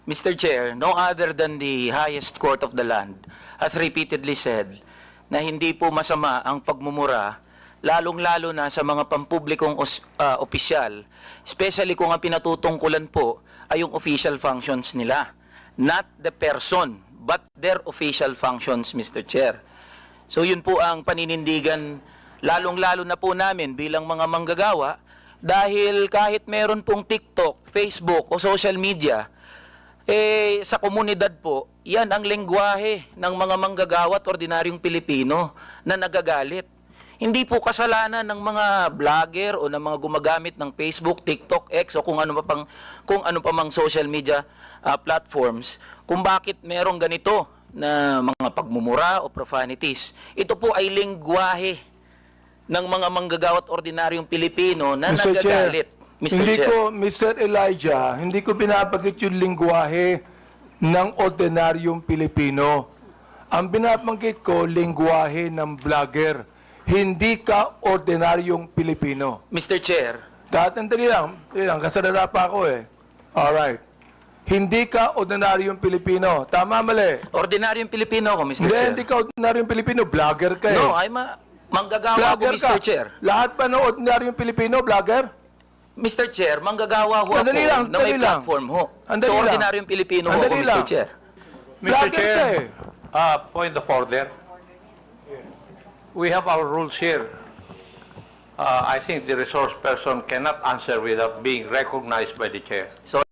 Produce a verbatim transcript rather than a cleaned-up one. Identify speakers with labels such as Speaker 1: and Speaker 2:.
Speaker 1: Mister Chair, no other than the highest court of the land has repeatedly said na hindi po masama ang pagmumura, lalong-lalo na sa mga pampublikong os, uh, opisyal, especially kung ang pinatutungkulan po ay yung official functions nila. Not the person, but their official functions, Mister Chair. So yun po ang paninindigan, lalong-lalo na po namin bilang mga manggagawa, dahil kahit meron pong TikTok, Facebook o social media, eh, sa komunidad po, yan ang lengguwahe ng mga manggagawa at ordinaryong Pilipino na nagagalit. Hindi po kasalanan ng mga vlogger o ng mga gumagamit ng Facebook, TikTok, X o kung ano pa pang kung ano pa mang social media uh, platforms kung bakit merong ganito na mga pagmumura o profanities. Ito po ay lengguwahe ng mga manggagawa at ordinaryong Pilipino na
Speaker 2: Mister
Speaker 1: nagagalit.
Speaker 2: Chair,
Speaker 1: Mister
Speaker 2: hindi
Speaker 1: Chair.
Speaker 2: ko, Mister Elijah, hindi ko binabagit yung lingwahe ng ordinaryong Pilipino. Ang binabanggit ko, lingwahe ng vlogger. Hindi ka ordinaryong Pilipino.
Speaker 1: Mister Chair,
Speaker 2: Tatandali lang, dali lang, kasalala pa ako eh. Alright. Hindi ka ordinaryong Pilipino. Tama, mali?
Speaker 1: ordinaryong Pilipino ako, Mister
Speaker 2: Hindi,
Speaker 1: Chair.
Speaker 2: hindi ka ordinaryong Pilipino. Vlogger ka eh.
Speaker 1: No, ay ma manggagawa ako,
Speaker 2: Vlogger
Speaker 1: Mister
Speaker 2: ka.
Speaker 1: Chair.
Speaker 2: Lahat pa ng ordinaryong Pilipino, vlogger?
Speaker 1: Mister Chair, manggagawa ho ako
Speaker 2: Andali lang,
Speaker 1: na may
Speaker 2: andali lang.
Speaker 1: platform ho.
Speaker 2: Andali
Speaker 1: So,
Speaker 2: lang.
Speaker 1: ordinaryong Pilipino ho ako,
Speaker 2: Andali
Speaker 1: Mister
Speaker 2: lang.
Speaker 1: Chair.
Speaker 3: Mister
Speaker 2: Vlogger ka
Speaker 3: Chair,
Speaker 2: eh.
Speaker 3: uh, point of order. We have our rules here. Uh, I think the resource person cannot answer without being recognized by the chair.
Speaker 1: So,